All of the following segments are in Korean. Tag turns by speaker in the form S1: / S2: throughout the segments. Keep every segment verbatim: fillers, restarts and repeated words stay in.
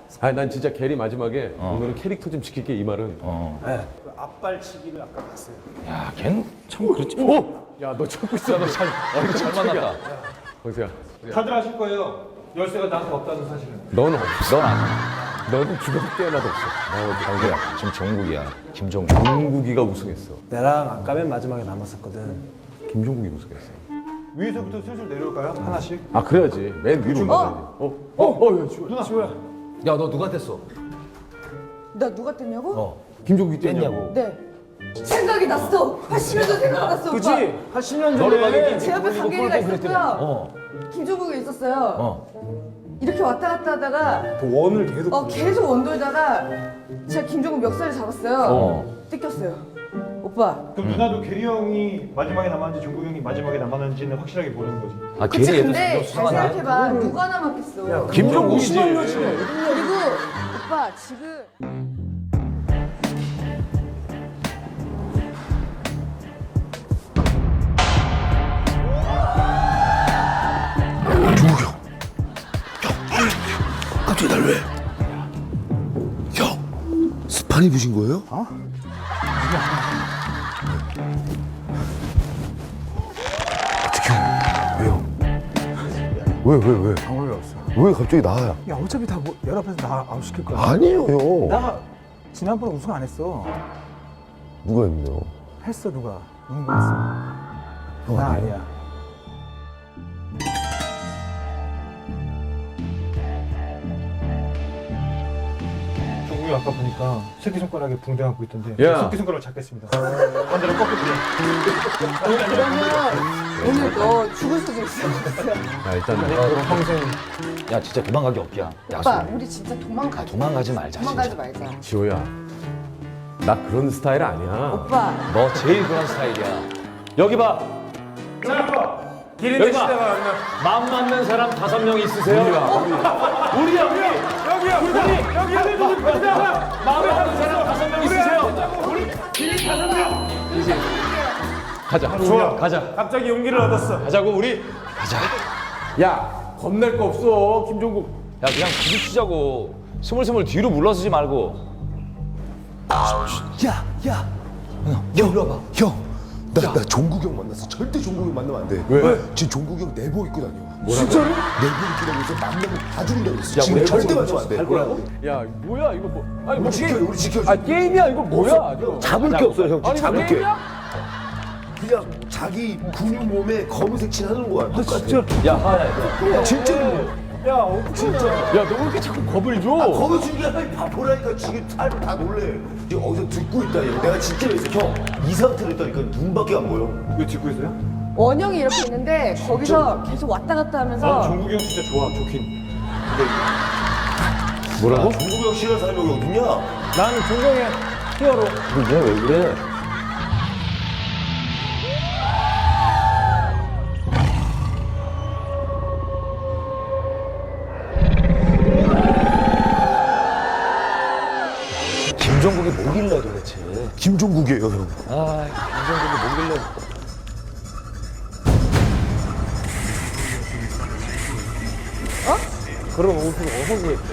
S1: 아니 난 진짜 게리 마지막에 어. 오늘은 캐릭터 좀 지킬게 이 말은.
S2: 어.
S3: 네. 앞발치기를 아까 봤어요.
S2: 야, 걔는 참 그렇지.
S1: 오! 야 너 참고 있어.
S2: 잘, 어, 이거 잘 만났다.
S1: 광수야.
S3: 다들 아실 거예요. 열쇠가 나한테 없다는 사실은.
S1: 너는 없어.
S2: 넌 아니야.
S1: 너는 죽어도 깨어나도 없어.
S2: 어, 강구야. 지금 정국이야. 김종국.
S1: 종국이가 우승했어.
S3: 내랑 아까 맨 마지막에 남았었거든.
S1: 김종국이 우승했어.
S3: 위에서부터 슬슬 내려올까요? 하나씩.
S1: 아 그래야지. 맨 위로 올라가야지. 어? 어? 어? 야 지호야.
S3: 누나. 지호야.
S2: 야, 너 누가 됐어?
S4: 나 누가 뗐냐고?
S2: 어.
S1: 김종국이 뛰었냐고.
S2: 뗐냐고.
S4: 네. 생각이 났어. 팔십 년 전 생각났어.
S3: 그치?
S4: 오빠.
S3: 한 십 년
S2: 너를
S3: 전에
S2: 막이기
S4: 제 옆에 강계리가 있었고요.
S2: 어.
S4: 김종국이 있었어요.
S2: 어.
S4: 이렇게 왔다 갔다 하다가
S3: 그 원을 계속.
S4: 어 계속 원돌다가 제가 김종국 멱살을 잡았어요.
S2: 어.
S4: 뜯겼어요. 오빠.
S3: 그럼 누나도 게리 형이 마지막에 남았는지 종국 형이 마지막에 남았는지는 확실하게 모르는 거지.
S2: 아,
S4: 그치
S2: 걔네
S4: 근데
S2: 얘도
S4: 잘
S2: 수상하다.
S4: 생각해봐. 누가 남았겠어.
S1: 김종국이지.
S4: 그리고 오빠 지금
S5: 갑자기 날 왜? 형, 스파니 부신 거예요? 어? 어떻게 왜요? 왜, 왜, 왜?
S3: 아무 일 없어.
S5: 왜 갑자기 나야?
S3: 야 어차피 다 뭐, 열 앞에서 나 아웃시킬 거야.
S5: 아니에요, 형.
S3: 나 지난번에 우승 안 했어.
S5: 누가 했네요?
S3: 했어 누가. 누군가 했어.
S5: 형
S3: 나
S5: 아니에요?
S3: 아니야. 종국이 아까 보니까 새끼손가락에 붕대 안고 있던데.
S1: 야.
S3: 새끼손가락 잡겠습니다. 반대로 꺾을게.
S4: 그러면 오늘 너 죽을 수도 있어.
S1: 아 일단
S3: 그럼 평생.
S2: 야, 진짜 도망가기 없기야.
S4: 오빠
S2: 약속.
S4: 우리 진짜 도망가.
S2: 도망가지 말자,
S4: 도망가지
S2: 진짜.
S4: 말자.
S1: 지호야. 나 그런 스타일 아니야.
S4: 오빠.
S2: 너 제일 그런 스타일이야. 여기 봐. 여기 봐. 마음 맞는 사람 다섯 명 있으세요? 우리야. 우리야, 우리. 여기야, 우리. 여기야, 우리. 마음 맞는 사람 다섯 명 있으세요? 우리 길이 다섯 명. 가자.
S3: 좋아.
S2: 가자.
S3: 갑자기 용기를 얻었어.
S2: 가자고 우리. 가자.
S1: 야 겁낼 거 없어 김종국.
S2: 야, 그냥 부딪히자고. 스물스물 뒤로 물러서지 말고.
S5: 야, 야.
S2: 형, 이리 와봐.
S5: 형, 나, 나 종국이 형 만났어. 절대 종국이 형 만나면 안 돼.
S1: 왜?
S5: 지금 종국이 형 내복 입고 다녀.
S1: 뭐라고?
S5: 진짜로? 내복 입고 다니면서 만나면 다 죽는다고 했어.
S1: 야,
S5: 지금
S1: 우리
S5: 절대
S1: 내복
S5: 만나면 안 돼.
S1: 뭐라고? 야 뭐야 이거 뭐? 아니 뭐
S5: 우리 지켜요, 우리 지켜줘.
S1: 아 게임이야 이거 뭐야? 이거.
S5: 잡을 게 없어요, 형.
S1: 아니
S5: 잡을
S1: 뭐
S5: 게.
S1: 게임이야?
S5: 그냥 자기 근육 몸에 검은색 칠하는 거야. 똑같아.
S2: 야, 하야.
S5: 진짜로.
S3: 야, 어, 진짜.
S1: 야 너 왜 이렇게 자꾸 겁을 줘?
S5: 아, 거기 중요한 건 바보라니까 지금 사람이 다 놀래. 지금 어디서 듣고 있다. 얘. 내가 진짜 그랬어. 형, 이 상태로 있다니까 눈밖에 안 보여.
S3: 이거 듣고 있어요?
S4: 원형이 이렇게 있는데 거기서 계속 왔다 갔다 하면서
S3: 종국이 형 진짜 좋아, 좋긴.
S1: 뭐라고?
S5: 종국이 형 싫어하는 사람이 여기 어딨냐?
S3: 나는 종국의 히어로.
S2: 그래, 왜 그래? 김종국이 뭐길래 도대체?
S5: 김종국이에요, 형.
S2: 아, 김종국이 뭐길래?
S1: 그런 옷을 어디서 구했대?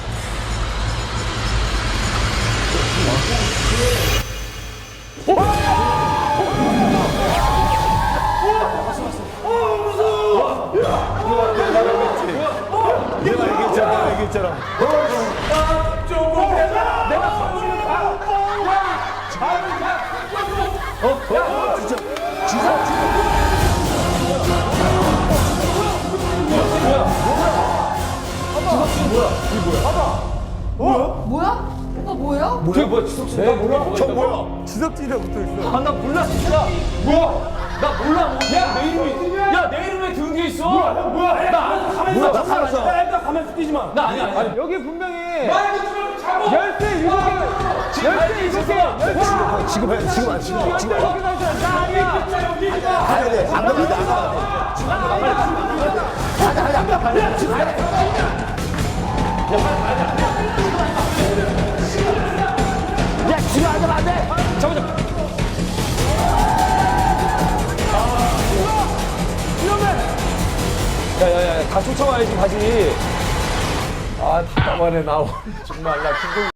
S3: 내가 얘기했잖아, 얘기했잖아.
S4: 뭐야? 오빠 뭐야?
S2: 저기 뭐야, 지석진? 나 몰라.
S3: 저 뭐야? 지석진이라 붙어 있어.
S2: 아, 나 몰라, 진짜. 뭐야? 나 몰라. 야, 내 이름이. 야, 내 이름 왜 등 뒤에 있어? 뭐야? 뭐야? 나 가만히 있어. 나 가만히 있어.
S3: 야, 일단 가만히 뛰지 마.
S2: 나 아니야, 아니야.
S3: 여기 분명히
S2: 잡아.
S3: 열쇠 일곱 개. 열쇠 일곱 개.
S5: 지금 해, 지금 안 지금 지금 안
S3: 나 아니야.
S5: 가야 돼. 안 가면 나가.
S2: 야, 지금 안 잡아, 안 돼. 잡아, 잡아. 야, 야, 야, 다 쫓아와야지, 가지. 아,
S1: 아 답답하네 나 정말 나 김동